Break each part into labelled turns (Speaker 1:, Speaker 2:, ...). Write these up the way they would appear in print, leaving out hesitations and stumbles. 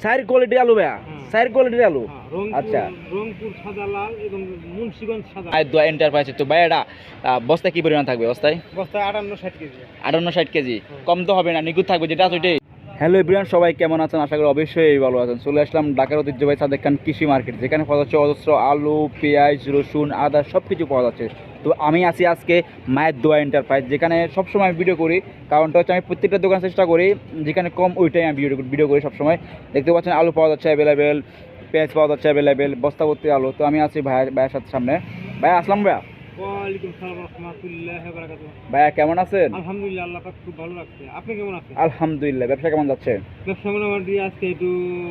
Speaker 1: সাইর quality আলু ভাইয়া, সাইর কোয়ালিটির আলু। আচ্ছা,
Speaker 2: রংপুর সাদা লাল এবং মুন্সিগঞ্জ সাদা।
Speaker 1: দোয়া এন্টারপ্রাইজ। তো ভাই এটা বস্তায় কি পরিমাণ থাকবে? বস্তায়
Speaker 2: বস্তায় 58-60 কেজি।
Speaker 1: 58-60 কেজি। কম তো হবে না, নিখুঁত থাকবে যেটা আছে ওইটাই। হ্যালো এভরিওয়ান, সবাই কেমন আছেন? আশা করি অবশ্যই ভালো আছেন। চলে আসলাম ঢাকার ঐতিহ্যবাহী সাদেক খান কৃষি মার্কেট, যেখানে পাওয়া যাচ্ছে অজস্র আলু, পেঁয়াজ, রসুন, আদা সব কিছু পাওয়া যাচ্ছে। তো আমি আছি আজকে মায়ের দোয়া এন্টারপ্রাইজ, যেখানে সবসময় আমি ভিডিও করি। কারণটা হচ্ছে আমি প্রত্যেকটা দোকান চেষ্টা করি যেখানে কম ওইটাই আমি ভিডিও করি সবসময়। দেখতে পাচ্ছেন আলু পাওয়া যাচ্ছে অ্যাভেলেবেল, পেঁয়াজ পাওয়া যাচ্ছে অ্যাভেলেবেল, বস্তা ভর্তি আলু। তো আমি আছি ভাইয়ের সাথে সামনে। ভাইয়া আসলাম ভাইয়া।
Speaker 2: ওয়ালাইকুম আসসালাম ওয়া রাহমাতুল্লাহি ওয়া বারাকাতুহু।
Speaker 1: ভাইয়া কেমন আছেন?
Speaker 2: আলহামদুলিল্লাহ, আল্লাহ পাক খুব ভালো রাখছে। আপনি কেমন আছেন?
Speaker 1: আলহামদুলিল্লাহ। ব্যবসা কেমন যাচ্ছে?
Speaker 2: ব্যবসা মোটামুটি আজকে একটু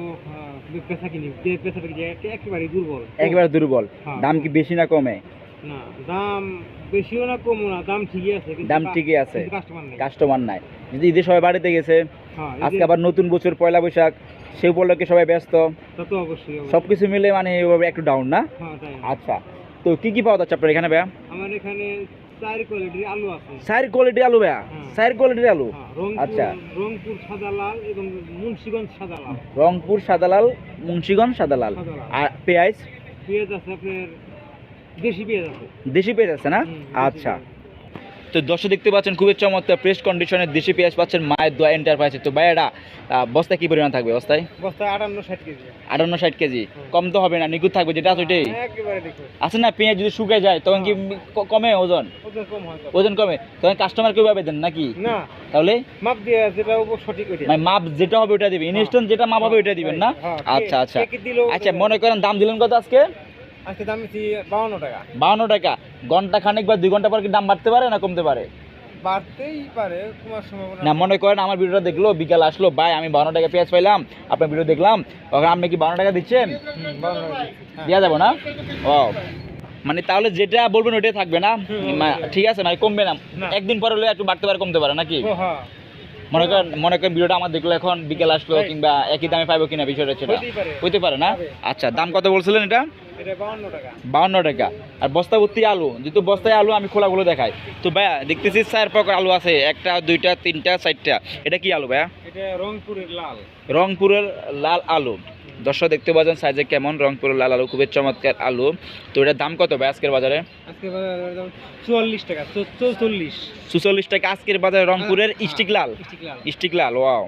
Speaker 2: পেশা কিনি, পেশাটা কি একেবারে দুর্বল।
Speaker 1: একেবারে দুর্বল।
Speaker 2: হ্যাঁ।
Speaker 1: দাম কি বেশি না কমে?
Speaker 2: না, দাম বেশিও না কমও না, দাম ঠিকই আছে।
Speaker 1: দাম ঠিকই আছে,
Speaker 2: কাস্টমার নেই।
Speaker 1: কাস্টমার নাই। যদি ঈদে সবাই বাড়িতে গেছে,
Speaker 2: হ্যাঁ,
Speaker 1: আজকে আবার নতুন বছর পয়লা বৈশাখ, সেই উপলক্ষে সবাই ব্যস্ত,
Speaker 2: তা তো অবশ্যই।
Speaker 1: সবকিছু মিলে মানে এভাবে একটু ডাউন না?
Speaker 2: হ্যাঁ, তাই।
Speaker 1: আচ্ছা, তো কি কি পাওয়া যাচ্ছে আপনার এখানে ভাইয়া?
Speaker 2: আমার এখানে 4 কোয়ালিটির আলু আছে।
Speaker 1: সাইর কোয়ালিটির আলু ভাইয়া,
Speaker 2: হ্যাঁ।
Speaker 1: সাইর কোয়ালিটির আলু।
Speaker 2: হ্যাঁ,
Speaker 1: আচ্ছা,
Speaker 2: রংপুর সাদা লাল এবং মুন্সিগঞ্জ সাদা লাল।
Speaker 1: রংপুর সাদালাল, মুন্সিগঞ্জ সাদালাল।
Speaker 2: সাদা লাল।
Speaker 1: আর পেঁয়াজ?
Speaker 2: পেঁয়াজ আছে আপনার, দেশি পেঁয়াজ আছে।
Speaker 1: দেশি পেঁয়াজ আছে না?
Speaker 2: দেশি
Speaker 1: আচ্ছা,
Speaker 2: পেঁয়াজ।
Speaker 1: তো দর্শক দেখতে পাচ্ছেন খুবই চমৎকার ফ্রেশ কন্ডিশনের দেশি পেঁয়াজ পাচ্ছেন মায়ের দোয়া এন্টারপ্রাইজে। তো ভাই এটা বস্তায় কি পরিমাণ থাকবে? বস্তায়
Speaker 2: বস্তায় 58-60 কেজি।
Speaker 1: 58-60 কেজি। কম তো হবে না, নিখুঁত থাকবে যেটা আছে ওইটাই।
Speaker 2: একেবারে দেখো।
Speaker 1: আছে না, পেঁয়াজ যদি শুকিয়ে যায় তখন কি কমে ওজন?
Speaker 2: ওজন কম হয় তো।
Speaker 1: ওজন কমে তখন কাস্টমার কিভাবে দেন নাকি?
Speaker 2: না,
Speaker 1: তাহলে
Speaker 2: মাপ দিয়ে যেটা সঠিক ওইটা।
Speaker 1: মানে মাপ যেটা হবে ওটা দিবেন, ইনস্ট্যান্ট যেটা মাপ হবে ওইটা দিবেন না?
Speaker 2: হ্যাঁ,
Speaker 1: আচ্ছা আচ্ছা
Speaker 2: কেকে দিলেও
Speaker 1: আচ্ছা, মনে করেন দাম দিলেন কত আজকে?
Speaker 2: আজকে দাম দিচ্ছি 52 টাকা।
Speaker 1: 52 টাকা। ঘন্টা খানেক বা 2 ঘন্টা পর কি দাম বাড়তে পারে না কমতে পারে?
Speaker 2: বাড়তেই পারে, তোমার সম্ভাবনা
Speaker 1: না, মনে করেন আমার ভিডিওটা দেখলো, বিকাল আসলো, ভাই আমি 52 টাকা পেঁয়াজ পাইলাম, আপনার ভিডিও দেখলাম, তখন আপনি কি 52 টাকা দিচ্ছেন?
Speaker 2: 52 টাকা দিচ্ছি। হ্যাঁ।
Speaker 1: দেওয়া যাবো না? ও, মানে তাহলে যেটা বলবেন ওইটাই থাকবে না? ঠিক আছে, মানে কমবে না?
Speaker 2: না।
Speaker 1: একদিন পরে হলে একটু বাড়তে পারে কমতে পারে নাকি?
Speaker 2: ও হ্যাঁ,
Speaker 1: মনে করেন ভিডিওটা আমার দেখলো, এখন বিকেল আসলো, কিংবা একই দামে পাইবো কিনা বিষয়টা সেটা
Speaker 2: হতেই পারে।
Speaker 1: হইতে পারে না?
Speaker 2: হবে।
Speaker 1: আচ্ছা, দাম কত বলছিলেন এটা?
Speaker 2: এটা 52 টাকা।
Speaker 1: 52 টাকা। আর বস্তা ভর্তি আলু, যেহেতু বস্তায় আলু আমি খোলাগুলো দেখাই। তো ভাইয়া দেখতেছি 4 প্রকার আলু আছে, 1টা 2টা 3টা 4টা। এটা কি আলু ভাইয়া?
Speaker 2: এটা রংপুরের লাল।
Speaker 1: রংপুরের লাল আলু। দর্শক দেখতে পাচ্ছেন সাইজে কেমন, রংপুরের লাল আলু, খুবই চমৎকার আলু। তো এটার দাম কত ভাই আজকের বাজারে?
Speaker 2: আজকে বাজারের দাম 44 টাকা, 44।
Speaker 1: 44 টাকা আজকের বাজারে রংপুরের স্টিক লাল। স্টিক লাল, ওয়াও।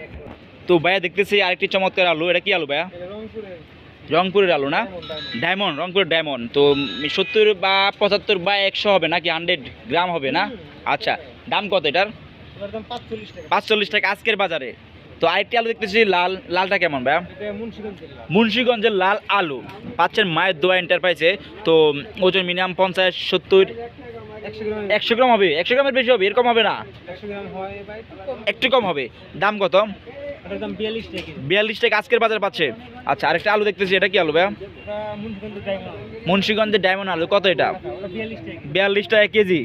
Speaker 1: তো ভাইয়া দেখতেছি আরেকটি চমৎকার আলু, এটা কি আলু ভাইয়া?
Speaker 2: এটা রংপুরের
Speaker 1: রংপুরের আলু না? ডায়মন্ড, রংপুরের ডায়মন্ড। তো 70 বা 75 বা 100 হবে নাকি? 100 গ্রাম হবে না? আচ্ছা, দাম কত এটার?
Speaker 2: এটার দাম 45 টাকা।
Speaker 1: 45 টাকা আজকের বাজারে। তো আরেকটি আলু দেখতেছি লাল, লালটা কেমন ভাইয়া?
Speaker 2: এটা মুন্সিগঞ্জের লাল।
Speaker 1: মুন্সিগঞ্জের লাল আলু পাচ্ছেন মায়ের দোয়া এন্টারপ্রাইজে। তো ওজন মিনিমাম 50, 70,
Speaker 2: 100 গ্রাম।
Speaker 1: 100 গ্রাম হবে? 100 গ্রামের বেশি হবে, এরকম হবে না?
Speaker 2: 100 গ্রাম হয় বা
Speaker 1: একটু কম হবে। দাম কত?
Speaker 2: এটার দাম 42 টাকা।
Speaker 1: 42 টাকা আজকের বাজারে পাচ্ছে। আচ্ছা, আরেকটা আলু দেখতেছি, এটা কি আলু ভাইয়া?
Speaker 2: এটা মুন্সিগঞ্জের ডায়মন্ড।
Speaker 1: মুন্সিগঞ্জের ডায়মন্ড আলু, কত এটা?
Speaker 2: ওটা 42 টাকা।
Speaker 1: 42 টাকা কেজি।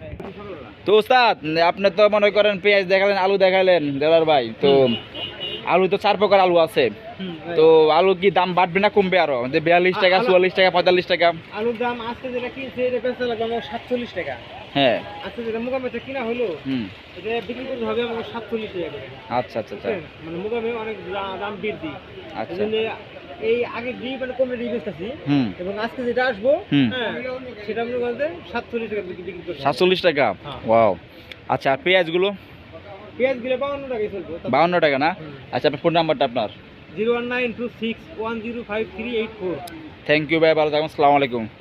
Speaker 1: তো ওস্তাদ, আপনি তো মনে করেন পেঁয়াজ দেখালেন, আলু দেখালেন দেলার ভাই, তো আলু তো 4 প্রকার আলু আছে। তো আলু কি দাম বাড়বে না কমবে আরো? যে 42 টাকা, 44 টাকা, 45 টাকা?
Speaker 2: আলুর দাম আজকে যেটা কিনছে এটা বেচা লাগবে আমার 47 টাকা।
Speaker 1: হ্যাঁ।
Speaker 2: আজকে যেটা মোকামে কিনা হলো এটা বিক্রি করতে হবে আমার 47 টাকা করে।
Speaker 1: আচ্ছা আচ্ছা আচ্ছা
Speaker 2: মানে মোকামে অনেক দাম বৃদ্ধি।
Speaker 1: আচ্ছা।
Speaker 2: এজন্য এই আগে ডি মানে কমে ডি বেচতেছি এবং আজকে যেটা আসবো হ্যাঁ সেটা মনে করেন 47 টাকা বিক্রি করতে
Speaker 1: 47 টাকা। ওয়াও। আচ্ছা, আর পেঁয়াজগুলো?
Speaker 2: পেঁয়াজগুলো 52 টাকায় চলবে।
Speaker 1: 52 টাকা না? আচ্ছা, আপনার ফোন নাম্বারটা আপনার?
Speaker 2: 01926105384।
Speaker 1: থ্যাংক ইউ ভাই, ভালো থাকুন, আসসালামু আলাইকুম।